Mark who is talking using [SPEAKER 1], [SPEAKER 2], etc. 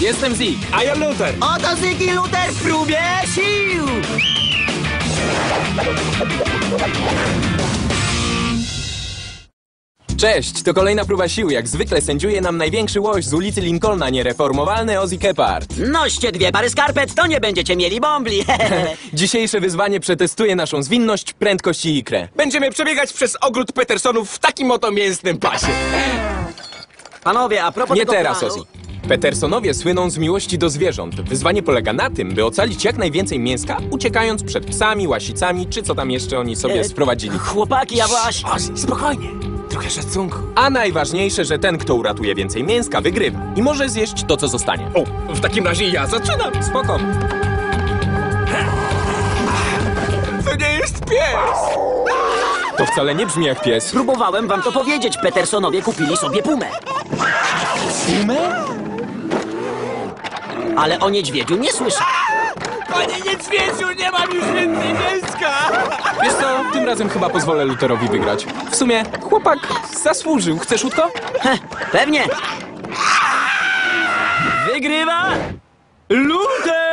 [SPEAKER 1] Jestem Zik.
[SPEAKER 2] A ja Luther.
[SPEAKER 3] Oto Zik i Luther w próbie sił!
[SPEAKER 1] Cześć, to kolejna próba sił. Jak zwykle sędziuje nam największy łoś z ulicy Lincolna, niereformowalny Ozzy Kephart.
[SPEAKER 3] Noście 2 pary skarpet, to nie będziecie mieli bombli.
[SPEAKER 1] Dzisiejsze wyzwanie przetestuje naszą zwinność, prędkość i ikrę.
[SPEAKER 2] Będziemy przebiegać przez ogród Petersonów w takim oto mięsnym pasie.
[SPEAKER 3] Panowie, a propos
[SPEAKER 1] Nie
[SPEAKER 3] tego
[SPEAKER 1] teraz,
[SPEAKER 3] planu...
[SPEAKER 1] Ozzy. Petersonowie słyną z miłości do zwierząt. Wyzwanie polega na tym, by ocalić jak najwięcej mięska, uciekając przed psami, łasicami, czy co tam jeszcze oni sobie sprowadzili.
[SPEAKER 3] Chłopaki, ja właśnie...
[SPEAKER 2] Ozzy, spokojnie. Trochę szacunku.
[SPEAKER 1] A najważniejsze, że ten, kto uratuje więcej mięska, wygrywa. I może zjeść to, co zostanie.
[SPEAKER 2] O, w takim razie ja zaczynam.
[SPEAKER 1] Spoko.
[SPEAKER 2] To nie jest pies.
[SPEAKER 1] To wcale nie brzmi jak pies.
[SPEAKER 3] Próbowałem wam to powiedzieć, Petersonowie kupili sobie pumę.
[SPEAKER 1] Pumę?
[SPEAKER 3] Ale o niedźwiedziu nie słyszę.
[SPEAKER 2] Panie niedźwiedziu, nie mam już więcej mięska.
[SPEAKER 1] Wiesz co, tym razem chyba pozwolę Lutherowi wygrać. W sumie, chłopak zasłużył. Chcesz łódko?
[SPEAKER 3] Pewnie. Wygrywa Luther!